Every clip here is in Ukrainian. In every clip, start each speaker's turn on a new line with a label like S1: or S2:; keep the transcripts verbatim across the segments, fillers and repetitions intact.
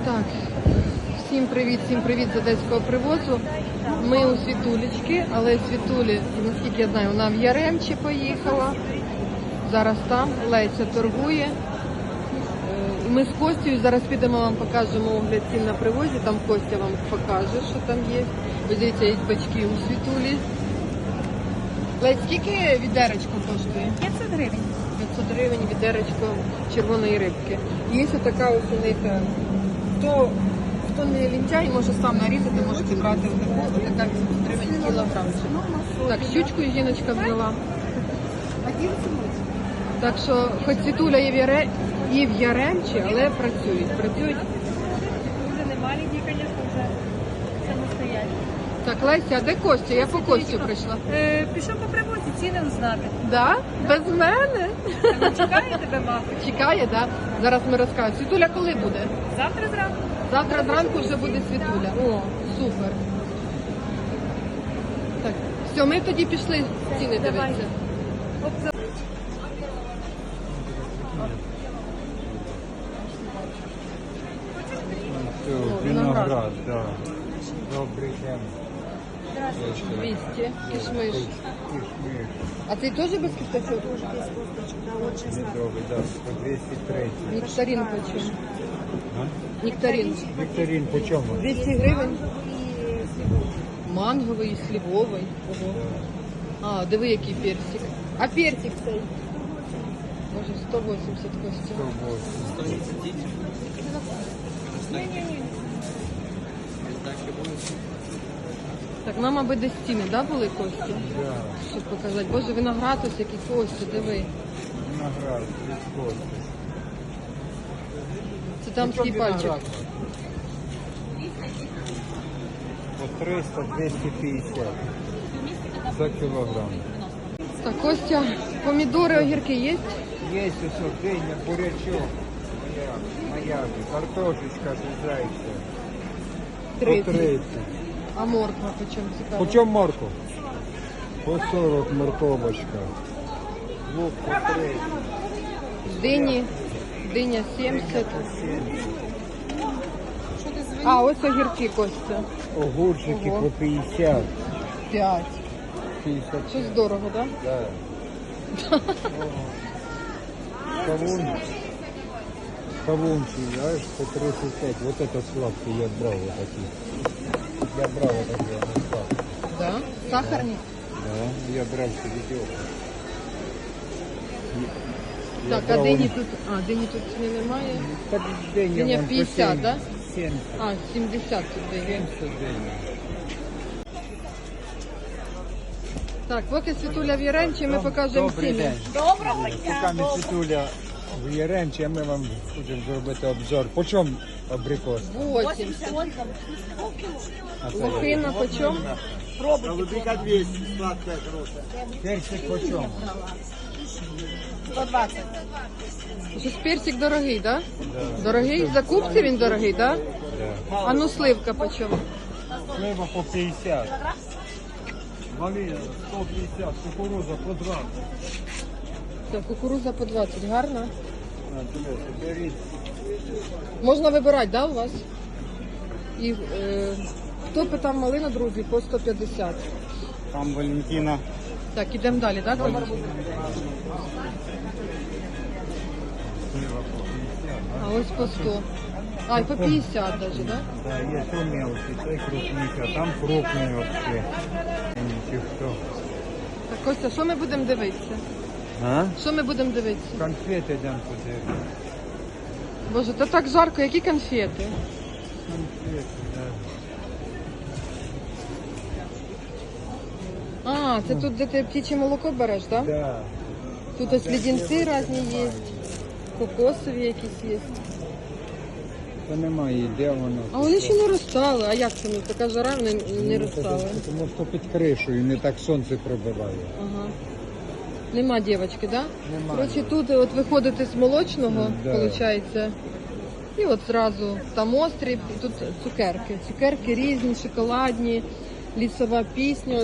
S1: Так, всім привіт, всім привіт з одеського привозу. Ми у Світулечки, але Світулі, наскільки я знаю, вона в Яремчі поїхала. Зараз там Леся торгує. Ми з Костю зараз підемо, вам покажемо огляд цін на привозі. Там Костя вам покаже, що там є. Ви дивіться, є бачки у Світулі. Лесь, скільки відеречко коштує?
S2: п'ятсот гривень.
S1: п'ятсот гривень відеречко червоної рибки. Є така ось у них, хто, хто не лінчай, може сам нарізати, можете брати отаку, отака вісімсот гривень кілограмчик. Так, щучку жіночка взяла. Так що, хоч Світуля і в, Яре, і в Яремчі, але працюють. Працюють.
S2: Вже не маленькі, звісно, вже самостоятельно.
S1: Так, Леся, а де Костя? Я по Костю прийшла.
S2: Е, пішов по привозі, ціни узнати.
S1: Да? Без мене?
S2: Та чекає тебе, мабуть.
S1: Чекає, да? Зараз ми розкажемо. Світуля коли буде?
S2: Завтра зранку.
S1: Завтра зранку вже буде Світуля. О, супер. Так, все, ми тоді пішли ціни
S2: Давай.
S1: дивитися.
S2: Оп, за-
S3: Все, виноград, да. Добрий день.
S1: двісті, кишмиш.
S3: Кишмиш.
S1: А цей теж без кісточок?
S3: Медовий, да, по двісті тридцять.
S1: Нектарин почем?
S3: А?
S1: Нектарин.
S3: Вікторин по чому?
S1: двісті гривень. Манговий і слівовий. Ого. А, диви, який персик. А персик цей? Може, сто вісімдесят Костя.
S3: сто вісімдесят.
S1: Так, нам аби десь ціни, да, були, Костя?
S3: Да.
S1: Щоб показати. Боже, виноград ось який, Костя, диви.
S3: Виноград, відходи.
S1: Це там свій пальчик.
S3: По триста - двісті п'ятдесят за кілограм.
S1: Так, Костя, помідори, огірки є?
S3: Є усе, диня, бурячок. Моя, моя, картошечка зайця. По
S1: тридцять.
S3: тридцять.
S1: А морква почем цікаво?
S3: По чому морку? По сорок морковочка. Лук по тридцять.
S1: Дині, диня сімдесят. А, ось огірки, Костя.
S3: Огурчики
S1: Ого.
S3: по п'ятдесят.
S1: п'ять.
S3: п'ятдесят.
S1: Щось дорого, так? Да?
S3: Да. Кавун. Кавунчик, знаешь, по тридцать пять. Вот это сладкий я брал вот такие. Я брал вот такие, они сладкие.
S1: Да? Сахарні?
S3: Да, я брал себе
S1: Так, а дині тут, а, дині тут ціни немає. Диня п'ятдесят, да?
S3: семьдесят.
S1: А, сімдесят тут дині.
S3: семьдесят диня.
S1: Так, поки Світуля в Яремчі, ми покажемо
S3: Добрий
S1: ціни.
S3: день.
S2: Доброго дня.
S3: Поки ми Світуля в Яремчі, а ми вам будемо зробити обзор. По чому абрикос?
S1: вісімдесят.
S3: А це
S1: Лохина почем?
S4: Голубика двести, сладкая, хорошая.
S3: персик по чому?
S2: сто двадцять.
S1: Щось персик дорогий, так? Да? Дорогий? В закупці він дорогий, так? Да?
S3: Да.
S1: А ну сливка почем?
S3: Слива по п'ятдесят. Малина сто п'ятдесят, кукуруза по двадцять.
S1: Так, кукуруза по двадцять, гарна.
S3: На, дивіться, беріть.
S1: Можна вибирати, да, у вас? І е, хто питав малину, друзі, по сто п'ятдесят.
S3: Там Валентина.
S1: Так, ідемо далі, так?
S3: Слива по п'ятдесят.
S1: А ось по сто. А, і по п'ятдесят навіть, так? Да?
S3: Да, є то мелкий, цей крупніший, а там крупний вообще. Чи хто?
S1: Так, Костя, що ми будемо дивитися?
S3: А?
S1: Що ми будемо дивитися?
S3: Конфети йдемо подивитися.
S1: Боже, то так жарко, які конфети?
S3: Конфети, да.
S1: А, це тут, де ти птіче молоко береш, так? Да?
S3: Да.
S1: Тут ось леденці різні є, кокосові якісь є.
S3: Та немає, де воно.
S1: А вони ще не розстали. А як це? Ну, така жара, вони не
S3: Ну,
S1: розстали.
S3: Тому що під кришею не так сонце пробиває.
S1: Ага. Нема дівчатки, да?
S3: Нема.
S1: Коротше, тут от виходите з молочного,
S3: Да.
S1: виходить, і от зразу там острів, і тут цукерки. Цукерки різні, шоколадні, лісова пісня.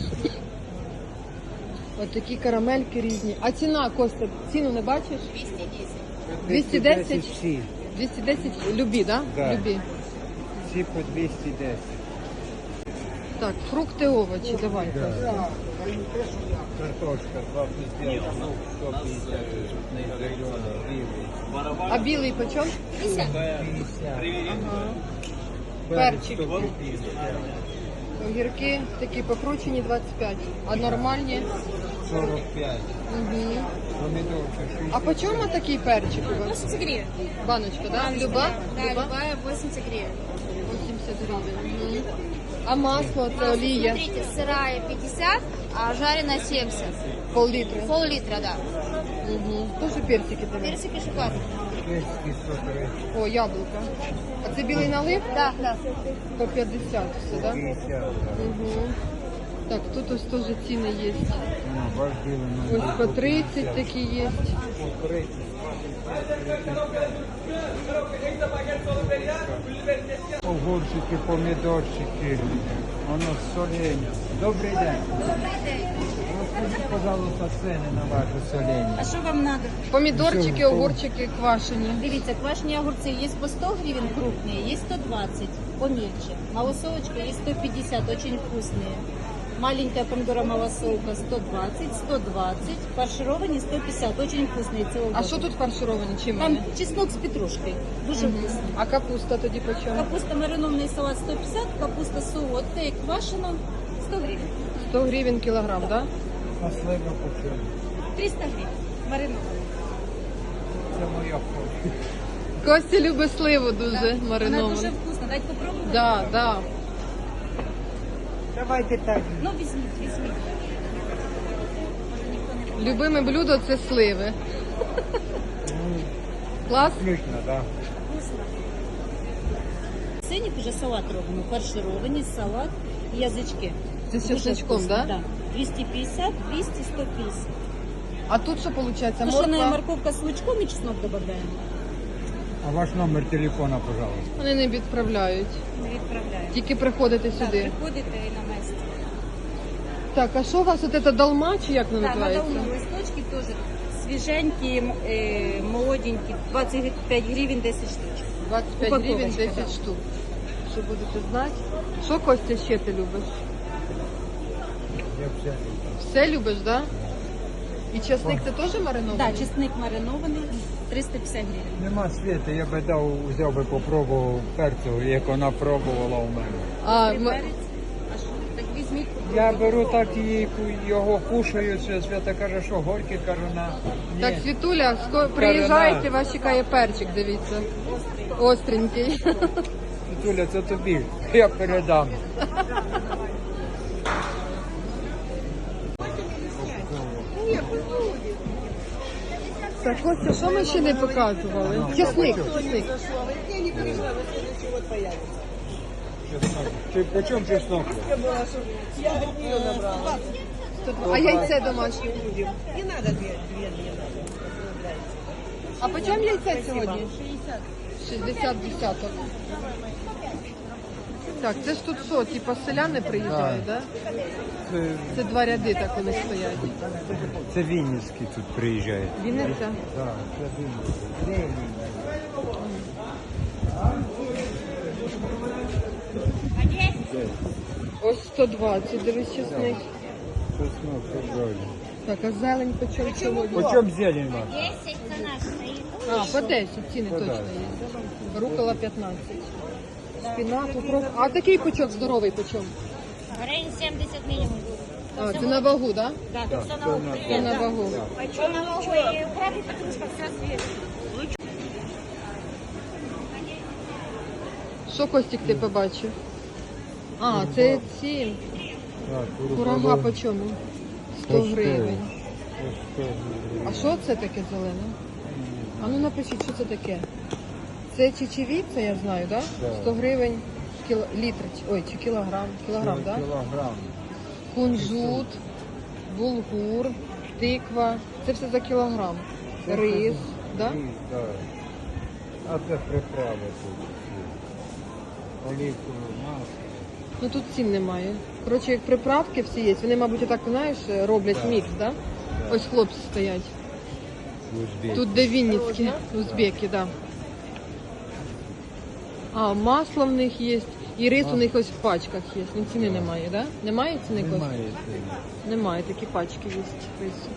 S1: От такі карамельки різні. А ціна, Костя, ціну не бачиш? двісті десять.
S3: всі.
S1: двісті десять любі, да?
S3: Да.
S1: Любі.
S3: Всі по двісті десять.
S1: Так, фрукти, овочі, давайте.
S3: Картошка два п'ятдесят, ну, сто п'ятдесят, не зелена, білий.
S1: А білий почем?
S3: п'ятдесят.
S1: Ага.
S3: Перчик.
S1: Перчик. Огірки такі покручені двадцять п'ять, а нормальні?
S3: сорок п'ять.
S1: Угу.
S3: Помідорка шістдесят.
S1: А по чому такий перчик у вас?
S2: восемьдесят гривен.
S1: Баночка, да? Люба?
S2: Да,
S1: Люба?
S2: любая восемьдесят гривен.
S1: вісімдесят гривень. Угу. А масло, це олія?
S2: Смотрите, сырая пятьдесят, а жареная семьдесят.
S1: Пол-літра.
S2: Пол-литра, да.
S1: Угу. Тоже персики тебе.
S2: Персики шоколадные.
S3: Чеський сто тридцять.
S1: О, яблука. А це білий налив?
S2: Да, да.
S1: По п'ятдесят все, да?
S3: п'ятдесят, да.
S1: Угу. Так, тут ось теж ціни є.
S3: Ну, ваш білий
S1: Ось по тридцять такі є.
S3: по тридцять. Огурчики, помідорчики, воно солення. Добрий день.
S2: Добрый день.
S3: Розкажіть, пожалуйста, ціни на ваше солення.
S2: А що вам надо?
S1: Помідорчики, огурчики квашені.
S2: Дивіться, квашні огурці є по сто гривен крупные, есть сто двадцать, помельче. Малосолочка есть сто пятьдесят, очень вкусные. Маленькая помидора малосолка сто двадцать, сто двадцать, фаршированные сто пятьдесят, очень вкусные. Целый
S1: А що тут фаршировані? Чим
S2: Там
S1: вони?
S2: чеснок з петрушкою, дуже вкусний.
S1: А капуста тоді по чому?
S2: Капуста маринованный салат сто пятьдесят, капуста солодка и квашена сто гривен.
S1: сто гривень кілограм, да?
S3: А слива по чому?
S2: триста гривен маринована.
S3: Це моя фото.
S1: Костя любить сливу дуже
S2: Вона дуже
S1: мариновану.
S2: вкусна, дайте попробувати.
S1: Да, да.
S3: Давайте так.
S2: Ну візьміть, візьміть.
S1: Любиме блюдо це сливи. Клас?
S3: Ключно, так.
S2: Вкусно. Синік вже салат робимо, фаршировані, салат і язички.
S1: Це з
S2: Дуже
S1: чесночком,
S2: вкусно,
S1: да?
S2: Да. двісті п'ятдесят, двісті, сто п'ятдесят.
S1: А тут що виходить?
S2: Тушеная
S1: Морква?
S2: морковка з лучком і чеснок додаємо.
S3: А ваш номер телефона, пожалуйста.
S1: Вони не відправляють.
S2: Ми відправляємо.
S1: Тільки приходите
S2: Так,
S1: сюди.
S2: приходите і на місці.
S1: Так, а що у вас от це долма, чи як воно
S2: Так,
S1: називається?
S2: надавно листочки теж свіженькі, м, е, молоденькі, двадцять п'ять гривень, десять штучок.
S1: двадцять п'ять гривень,
S2: Упаковочка,
S1: десять
S2: да.
S1: штук. Що будете знати? Що, Костя, ще ти любиш?
S3: Я все люблю.
S1: Все любиш, да? І часник це теж маринований?
S2: Так, да, чесник маринований, триста п'ятдесят гривень.
S3: Нема світу, я би дав, взяв би попробував перцю, як вона пробувала у мене.
S1: А,
S2: Три
S1: ми...
S2: перець. А що? Так візьміть.
S3: Я беру так і його кушаю, що Свята каже, що горький, кажу, на... Ні.
S1: Так, Світуля, ско... приїжджайте, вас чекає перчик, дивіться. Остренький.
S3: Світуля, це тобі, я передам.
S1: Так, Костя, що ми ще не показували? Чесник, чесник.
S3: Чи по чому чеснок?
S1: А яйце домашнє? А по чому яйце сьогодні? шістдесят десяток. Так, це ж тут що, типа селяни приїжджають, да?
S3: Це,
S1: Це два ряди так вони стоять.
S3: це Вінницький тут приїжджає.
S1: Вінниця?
S3: Так, це Вінницький.
S1: Ось сто двадцять, дивись, чесник.
S3: Чеснок, це правильно.
S1: Так, а зелень по чому сьогодні?
S3: По чому зелень вам?
S2: десять це наш стоїть.
S1: А, по десять, ціни
S3: По
S1: точно
S3: десять.
S1: є. Рукола п'ятнадцять. Шпинат, укроп. А такий пучок здоровий пучок?
S2: Гривень сімдесят мінімум.
S1: А, це на вагу, так? Да?
S2: Так,
S3: Так,
S2: все
S3: це
S2: на
S3: на-
S1: Це на вагу.
S2: А що на вагу? І укроп і петрушка, все свіже.
S1: Що, Костік, ти побачив? А, це ці
S3: Так,
S1: курага по чому? сто
S3: По сто.
S1: гривень.
S3: По сто гривень.
S1: А що це таке зелене? А ну напишіть, що це таке. Це чечевіця, я знаю, так? Да?
S3: Да.
S1: сто гривень кіло... літр, чи- ой, чи кілограм. Кілограм, так? Да?
S3: Кілограм.
S1: Кунжут, булгур, тиква. Це все за кілограм. Рис, да?
S3: Рис, да. А це приправи тут. Олівкове масло.
S1: Ну тут цін немає. Коротше, як приправки всі є, вони, мабуть, отак, знаєш, роблять
S3: Да.
S1: мікс, да? Ось хлопці стоять.
S3: Узбек.
S1: Тут де Вінницькі, узбеки, да. А, масло в них є. І рис у них ось в пачках є. Ну, ціни немає, да? Немає ціни? Костя?
S3: Немає ціни.
S1: Немає, такі пачки є рису.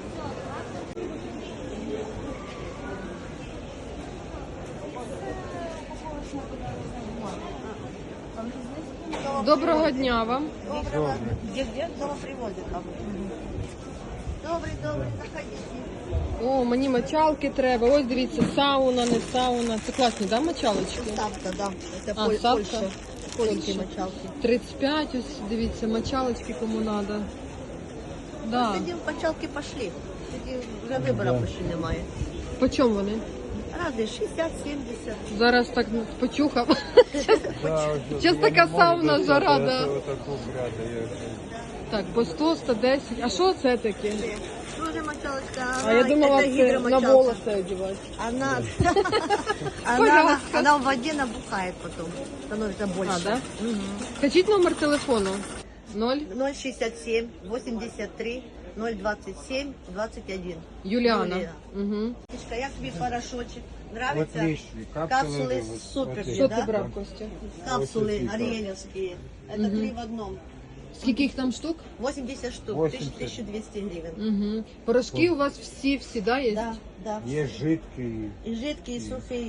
S1: Доброго дня вам.
S5: Где-где? Дома привозят. Добрый, добрый, заходите.
S1: О, мені мочалки треба. Ось дивіться, сауна, не сауна. Це класні, да, мочалочки?
S5: Ставка, да. Это
S1: А,
S5: Поль-
S1: ставка?
S5: Польша. Польские
S1: Польща.
S5: мочалки.
S1: тридцять п'ять, ось дивіться, мочалочки кому треба. Да.
S5: Сьогодні мочалки пошли. Сьогодні вже вибору почти немає.
S1: По чому вони?
S5: Разные, шестьдесят, семьдесят.
S1: Зараз так почухав.
S3: Да, ось,
S1: Щас
S3: я
S1: така
S3: не можу
S1: сауна,
S3: достати,
S1: жара,
S3: а
S1: да.
S3: то отаку брати, я-
S1: Так, по сто, сто десять. А що це таке?
S5: Тоже мочалочка.
S1: А я думала,
S5: это
S1: це на
S5: гидромочалка.
S1: волоси одягати.
S5: Она, она,
S1: Пожалуйста.
S5: она в воде набухает потом. Становится больше.
S1: А, да? Скажіть номер телефону. Ноль.
S5: ноль шестьдесят семь, восемьдесят три, ноль двадцать семь, двадцать один.
S1: Юліана.
S5: Юлія.
S1: Угу.
S5: Як тобі порошочек? Нравится?
S3: Отлично.
S5: Капсулы
S3: вот-
S5: супер.
S3: отлично.
S1: Що
S5: Да?
S1: ти брав, Костя?
S5: Капсулы
S3: Ось ці,
S5: ариэлевские. Это три в одном.
S1: Скільки їх там штук?
S5: восемьдесят штук,
S3: восемьдесят.
S5: тысяча двести гривен.
S1: Угу. Порошки у вас всі, всі, да, є?
S5: Да, да.
S3: Є жидкий.
S5: И жидкие, и сухие.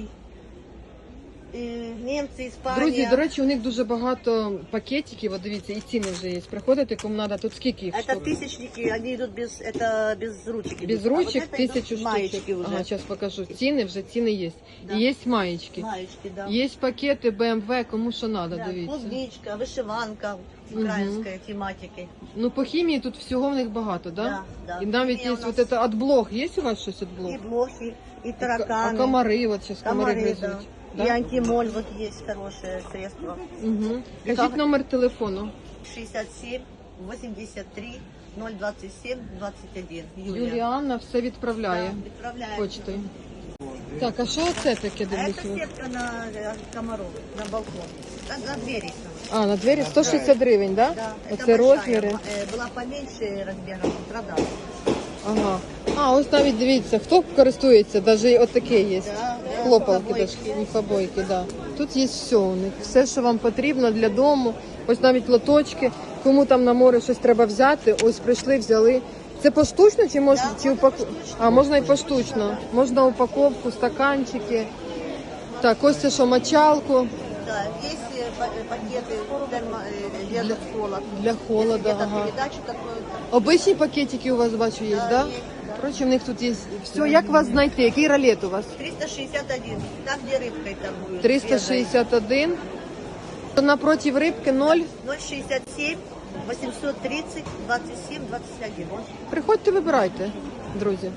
S5: И немцы, Испания.
S1: Друзі, до речі, у них дуже багато пакетиків, от дивіться, і ціни вже є. Приходите, кому треба, тут скільки їх
S5: Это
S1: штук?
S5: тысячники, они идут без, это без ручек.
S1: Без
S5: идут. А вот
S1: ручек
S5: это идут
S1: тисячу
S5: маечки
S1: штук.
S5: уже.
S1: Ага, зараз покажу. Ціни вже, ціни є.
S5: Да.
S1: І є маєчки.
S5: Маечки, да.
S1: Є пакети бэ эм вэ, кому що треба,
S5: Да,
S1: дивіться.
S5: клубничка, вышиванка украинской тематики.
S1: Ну, по хімії тут всього в них багато, да?
S5: Да, да.
S1: І навіть
S5: Хімія
S1: є
S5: у нас-
S1: вот это от блох. Є у вас щось від блох?
S5: И блохи, и
S1: А
S5: тараканы.
S1: комари, от зараз комари
S5: Комары, да.
S1: гризуть.
S5: И антимоль вот есть хорошее средство.
S1: Угу.
S5: И
S1: Кажіть
S5: как-
S1: номер телефону.
S5: шестьдесят семь, восемьдесят три, ноль двадцать семь, двадцать один. Юлия.
S1: Юліанна все відправляє
S5: Да, отправляем.
S1: почтою. Так, а що це таке,
S5: А это
S1: дивлюся?
S5: сетка на э, комаров, на балкон. На, на двери.
S1: А, на двері сто шістдесят гривень, да?
S5: Да, это
S1: Оце
S5: большая.
S1: розміри.
S5: Э, Была поменьше размером, продала.
S1: Ага. А, ось навіть дивіться, хто користується, навіть от таке є.
S5: Да, да,
S1: Хлопалки,
S5: побойки.
S1: даже, міфобойки, да. Тут є все у них, все, що вам потрібно для дому. Ось навіть лоточки. Кому там на море щось треба взяти, ось прийшли, взяли. Це поштучно чи можна
S5: Да,
S1: чи
S5: можна
S1: упак...
S5: поштучно.
S1: А, можна і поштучно. Можна упаковку, стаканчики. Так, ось це що, мочалку
S5: Да, есть э, па- э, пакеты термо, э, держат холод.
S1: для
S5: Если
S1: холода.
S5: где-то
S1: Ага.
S5: передачу какую-то.
S1: Обичні пакетики у вас бачу є,
S5: Да,
S1: да?
S5: є, да.
S1: Коротше, в них тут є все. Як вас знайти? Який ролет у вас?
S5: триста шестьдесят один, там где рыбкой торгуют.
S1: триста шістдесят один. Напротив рибки ноль.
S5: ноль шестьдесят семь, восемьсот тридцать, двадцать семь, двадцать один.
S1: Приходьте, вибирайте, друзі.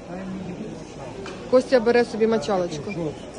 S1: Костя бере собі мочалочку.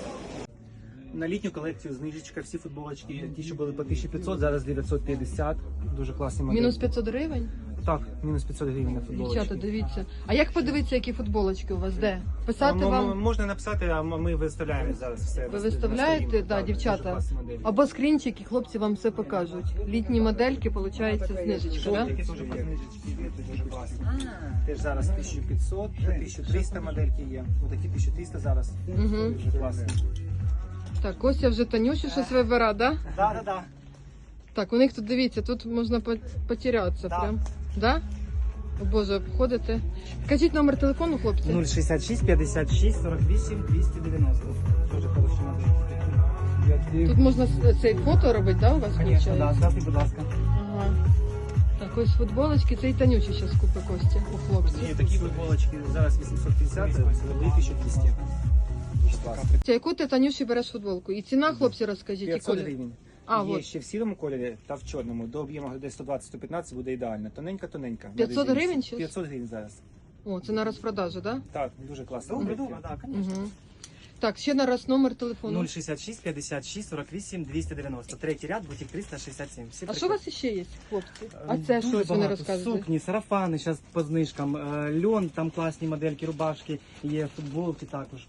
S6: На літню колекцію знижечка, всі футболочки, ті, що були по тисяча п'ятсот, зараз дев'ятсот п'ятдесят. Дуже класні моделі.
S1: Мінус п'ятсот гривень.
S6: Так, мінус п'ятсот гривень на футболочки.
S1: Дівчата, дивіться. А як подивитися, які футболочки у вас? Де? Писати
S6: М- м-
S1: вам?
S6: Можна написати, а м- ми виставляємо зараз все.
S1: Ви
S6: на
S1: виставляєте,
S6: сторінку,
S1: да,
S6: так, дуже
S1: дівчата.
S6: класні моделі.
S1: Або скрінчики, хлопці вам все покажуть. Літні модельки, виходить, знижечка, да?
S6: Жовтики теж по знижечці є, це дуже класні. Теж зараз тисяча п'ятсот, тисяча триста модельки є. Отакі тисяча триста зараз.
S1: Угу.
S6: Дуже класні.
S1: Так, Костя вже Танюші щось вибира, да?
S6: Так, так, так.
S1: Так, у них тут, дивіться, тут можна по- потерятися
S6: Да.
S1: прям. Да? О Боже, обходите. Кажіть номер телефону, хлопці.
S6: нуль шістдесят шість, п'ятдесят шість, сорок вісім, двісті дев'яносто. Дуже хороші модельки.
S1: Тут можна с- цей фото робити, да, у вас
S6: Звісно, да,
S1: виходить?
S6: ставте, будь ласка.
S1: Ага. Так, ось футболочки, це і Танюші зараз купить Костя у хлопців.
S6: Ні, такі футболочки зараз вісімсот п'ятдесят, це були тисяча двісті. Дуже класно.
S1: Яку ти Танюші береш футболку? І ціна, хлопці, розкажіть, і
S6: п'ятсот
S1: колір.
S6: гривень.
S1: А,
S6: Є
S1: от.
S6: ще в сірому кольорі та в чорному. До об'єму десь сто двадцять - сто п'ятнадцять буде ідеально. Тоненька-тоненька. на
S1: п'ятсот
S6: резинці.
S1: гривень чи?
S6: п'ятсот гривень зараз.
S1: О, це на розпродажу, так?
S6: Так, дуже класно.
S7: Добре, добре, так,
S1: Да? Угу. Так, ще на раз номер телефону.
S7: нуль шістдесят шість, п'ятдесят шість, сорок вісім, двісті дев'яносто. Третій ряд, бутик триста шістдесят сім. Всі
S1: А що у вас ще є, хлопці? А
S7: приходять.
S1: це
S7: Дуже
S1: що ось вони
S7: багато.
S1: розказують?
S7: Сукні, сарафани зараз по знижкам, е, льон, там класні модельки, рубашки, є футболки також.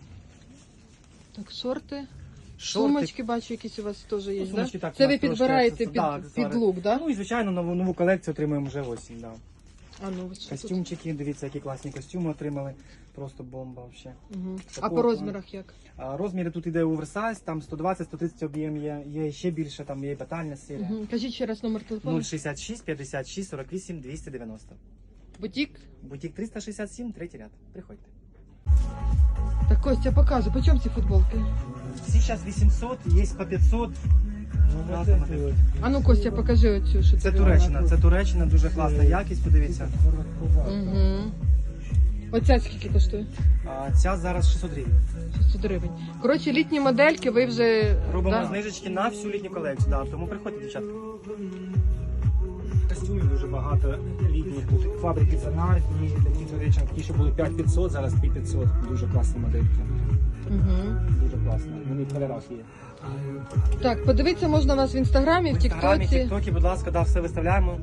S1: Так, шорти.
S7: Шорти.
S1: Сумочки, бачу, якісь у вас теж є,
S7: Ну,
S1: да?
S7: сумочки так,
S1: Це
S7: у
S1: ви
S7: нас трошки
S1: підбираєте
S7: аксесу-
S1: під,
S7: да,
S1: під
S7: аксесуари.
S1: лук, да?
S7: Ну і звичайно нову, нову колекцію отримуємо вже осінь. Да.
S1: А ну, що тут?
S7: Костюмчики, дивіться, які класні костюми отримали. Просто бомба взагалі.
S1: Угу. А
S7: Такого
S1: по
S7: плану.
S1: розмірах як?
S7: А розміри тут іде оверсайз, там сто двадцять сто тридцять об'єм є, є ще більше, там є і батальна серія.
S1: Угу. Кажіть ще раз номер телефону.
S7: нуль шістдесят шість п'ятдесят шість сорок вісім двісті дев'яносто.
S1: Бутік.
S7: Бутік триста шістдесят сім, третій ряд. Приходьте.
S1: Так, Костя, показуй, по чому ці футболки?
S7: Всі зараз вісімсот, є по п'ятсот.
S3: Ну, вот эти вот.
S1: А ну, Костя, покажи оцю, що
S7: Це
S1: тобі
S7: Туреччина, це Туреччина, дуже класна якість, подивіться.
S1: Угу. Оця скільки коштує?
S7: А ця зараз шістсот гривень.
S1: шістсот гривень. Коротше, літні модельки ви вже...
S7: Робимо
S1: да?
S7: знижечки на всю літню колекцію, да, тому приходьте, дівчатка. Костюмів дуже багато літніх тут. Фабрики занартні, такі, до речі, такі, що були п'ять п'ятсот, зараз п'ять п'ятсот. Дуже класні модельки.
S1: Угу.
S7: Дуже класно. Вони в кольорах є.
S1: Так, подивитися можна вас в інстаграмі, в
S7: В інстаграмі, в
S1: тіктоці.
S7: тіктокі, будь ласка, да, все виставляємо.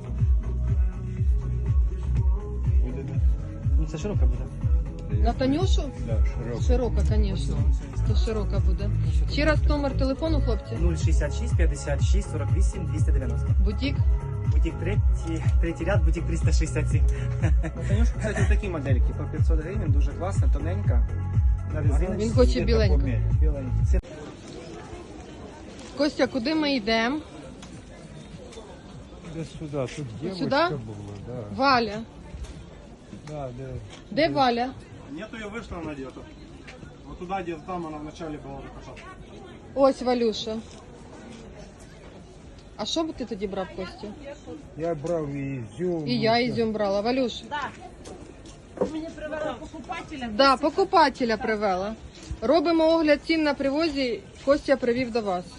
S7: Ну, це широка буде.
S1: На Танюшу?
S3: Да, широкий.
S1: Широка, звісно. То широка буде. Ще раз номер телефону, хлопці.
S7: нуль шістдесят шість п'ятдесят шість сорок вісім двісті дев'яносто.
S1: Бутік.
S7: Бутік третій, третій ряд, бутік триста шістдесят сім. Танюшка, кстати, такі модельки по п'ятсот гривень, дуже класна, тоненька. На резиночці.
S1: Він хоче біленьку.
S7: Біленькі. Це
S1: Костя, куди ми йдемо?
S3: Да сюда, тут девочка
S1: Сюда?
S3: была, да.
S1: Валя.
S3: Да, да.
S1: Де Валя?
S8: Нету, ее вышла она где-то. Вот туда, где там она вначале была закажена.
S1: Ось Валюша. А що б ти тоді брав, Костя?
S3: Я брал и изюм.
S1: І я ізюм брала. Валюш. Да, покупателя привела. Робимо огляд цін на привозі. Костя привів до вас.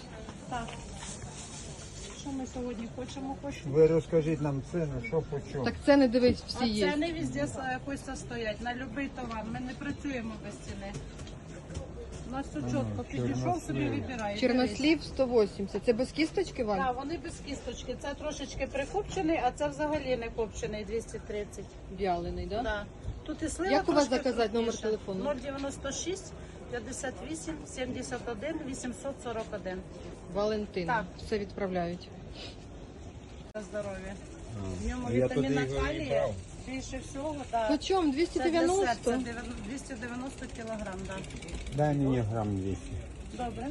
S9: Що ми сьогодні хочемо? Хочемо.
S3: Вы расскажите нам цены, что почем.
S1: Так це не дивись,
S9: А
S1: всі є.
S9: ціни везде е, Костя стоять на будь-який товар. Ми не працюємо без ціни. У нас все чітко. Підійшов собі вибирає.
S1: Чорнослів сто вісімдесят. Це без кісточки, Валь?
S9: Так, вони без кісточки. Це трошечки прикопчений, а це взагалі не копчений двісті тридцять.
S1: Вялений, да?
S9: Да. Тут і слива
S1: Як у вас
S9: трошки
S1: заказати номер
S9: крупніша.
S1: телефону?
S9: нуль дев'яносто шість п'ятдесят вісім сімдесят один вісімсот сорок один.
S1: Валентина.
S9: Так.
S1: Все відправляють.
S9: За здоров'я. В ньому
S3: А я туди
S9: вітаміна
S3: його і
S9: калія
S3: брав.
S9: більше всього. Так.
S1: По чому? двісті
S9: Це для серця
S1: дев'яносто?
S9: двісті дев'яносто кілограм, так.
S3: Дай мне грамм двести.
S9: Добре.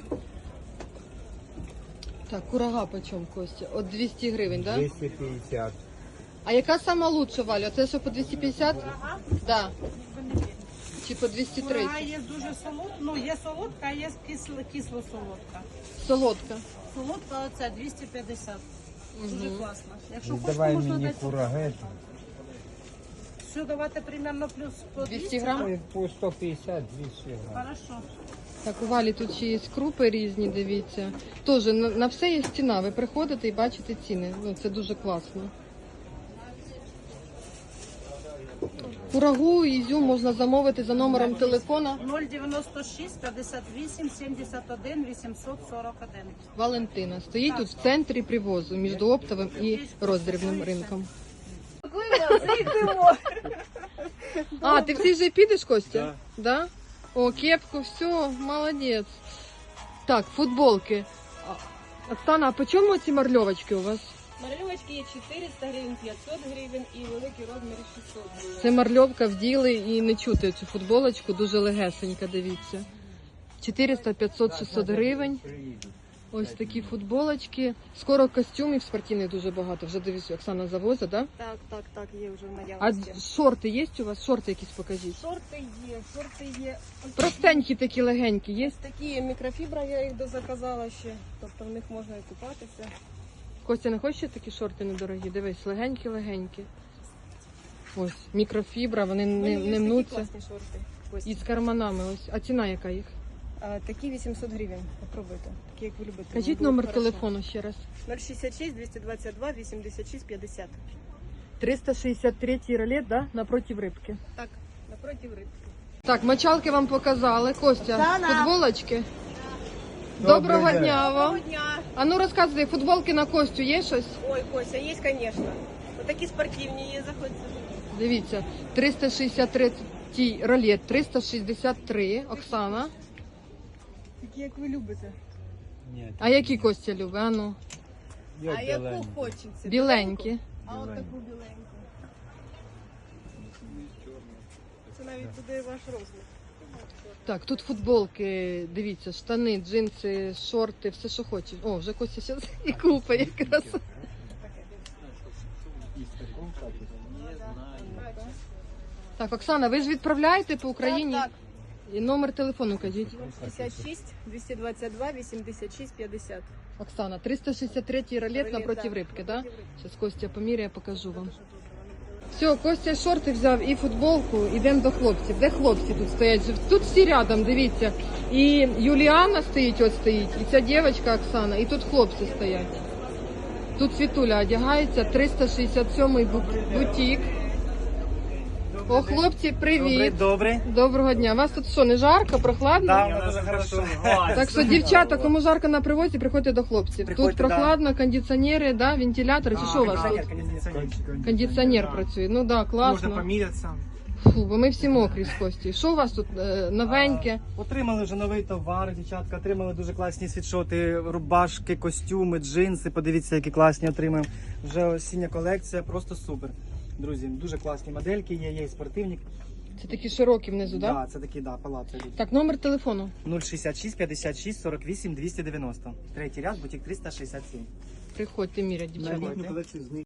S1: Так, курага по чому, Костя? От двісті гривень, да?
S3: двести пятьдесят.
S1: А яка сама лучша, Валя? Це що по двісті п'ятдесят? Да.
S9: Ви не вірите.
S1: Чи по двісті
S9: Курага
S1: тридцять?
S9: є дуже солодка, ну є солодка, а є кисло, кисло-солодка.
S1: Солодка.
S9: Солодка оце двісті п'ятдесят. Дуже
S1: Мгм.
S9: класно. Якщо
S3: Ну,
S9: хочете,
S3: давай
S9: можна
S3: мне
S9: дати.
S3: курага.
S9: Все давати примерно плюс по
S1: двісті
S9: двісті.
S1: грам?
S3: Ой, по сто пятьдесят, двести грамм.
S9: Хорошо.
S1: Так, у Валі тут ще є крупи різні, дивіться. Теж на, на все є ціна. Ви приходите і бачите ціни. Ну, це дуже класно. Курагу і ізюм можна замовити за номером телефона
S9: нуль дев'яносто шість п'ятдесят вісім сімдесят один вісімсот сорок один.
S1: Валентина. Стоїть тут в центрі привозу між оптовим і роздрібним ринком. А, ти всі вже підеш, Костя? Да. О, кепку, все, молодець. Так, футболки. А, Оксана, а по чому ці марльовочки у вас?
S10: Марльовочки є чотириста гривень, п'ятсот гривень і великий розмір шістсот гривень.
S1: Це марльовка вділи і не чути цю футболочку, дуже легесенька, дивіться. чотириста, п'ятсот, шістсот гривень. Ось такі футболочки. Скоро костюмів спортивних дуже багато. Вже дивіться, Оксана завозить, да?
S10: Так, так, так, є вже в
S1: А
S10: наявності.
S1: шорти є у вас? Шорти якісь покажіть.
S10: Шорти є, шорти є. Ось
S1: Простенькі такі легенькі є?
S10: такі мікрофібра, я їх дозаказала ще, тобто в них можна і купатися.
S1: Костя, не хочеш шорти шорти недорогі? Дивись, легенькі-легенькі. Ось, мікрофібра, вони
S10: У
S1: не,
S10: мене є
S1: не
S10: такі
S1: мнуться.
S10: класні шорти. Ось.
S1: І з карманами ось. А ціна яка їх?
S10: А, такі вісімсот гривень, попробуйте. Такі, як ви любите.
S1: Кажіть
S10: Вони будуть
S1: номер
S10: хорошо.
S1: телефону ще раз.
S10: нуль шістдесят шість двісті двадцять два вісімдесят шість п'ятдесят.
S1: триста шістдесят третій ролет, да? Напротив рибки.
S10: Так, напротив рибки.
S1: Так, мочалки вам показали. Костя,
S5: Да-да.
S1: футболочки.
S3: Добрий
S1: Доброго
S3: день.
S1: дня вам.
S10: дня!
S1: А ну розказуй, футболки на Костю є щось?
S10: Ой, Кося, є, звісно. Ось такі спортивні є, заходьте.
S1: Дивіться, триста шістдесят третій ролет, триста шістдесят три, Оксана.
S10: Такі, як ви любите.
S3: Нет,
S1: А які Костя любить? А ну,
S3: я
S10: А яку
S3: беленький.
S10: хочеться?
S1: біленькі.
S10: А от таку біленьку. це навіть буде ваш розмір.
S1: Так, тут футболки, дивіться, штани, джинси, шорти, все, що хочеш. О, вже Костя зараз і купа якраз. Так, Оксана, ви ж відправляєте по Україні?
S10: Так,
S1: І номер телефону кажіть.
S10: шістдесят шість, двісті двадцять два, вісімдесят шість, п'ятдесят.
S1: Оксана, триста шістдесят третій ролет напротив рибки, да? Зараз Костя поміряє, покажу вам. Все, Костя шорти взяв і футболку, йдемо до хлопців. Де хлопці тут стоять? Тут всі рядом, дивіться. І Юліана стоїть, от стоїть, і ця дівчинка Оксана, і тут хлопці стоять. Тут Світуля одягається, триста шістдесят сьомий бу- бутік. О, хлопці, привіт.
S7: Добре.
S1: Доброго дня. Вас тут що, не жарко, прохладно?
S7: Да, дуже хорошо.
S1: Так що, дівчата, кому жарко на привозі, приходьте до хлопців.
S7: Приходьте,
S1: Тут прохладно, кондиціонери, да, вентилятори, чи що у вас тут?
S7: Кондиціонер.
S1: Кондиціонер працює. Ну да,
S7: Можна
S1: класно.
S7: помірятися.
S1: Фу, бо ми всі мокрі з Кості. Що у вас тут е, новеньке?
S7: Отримали вже новий товар, дівчатка. Отримали дуже класні світшоти, рубашки, костюми, джинси. Подивіться, які класні отримаємо. Вже осіння колекція, просто супер. Друзі, дуже класні модельки є, є і спортивні.
S1: Це такі широкі внизу, да?
S7: Да, це такі, да, палаци йдуть.
S1: Так, номер телефону.
S7: нуль шістдесят шість, п'ятдесят шість, сорок вісім, двісті дев'яносто. Третій ряд, бутік триста шістдесят сім.
S1: Приходьте, мірять,
S8: На
S1: дівчата.
S8: літню колекцію знижки.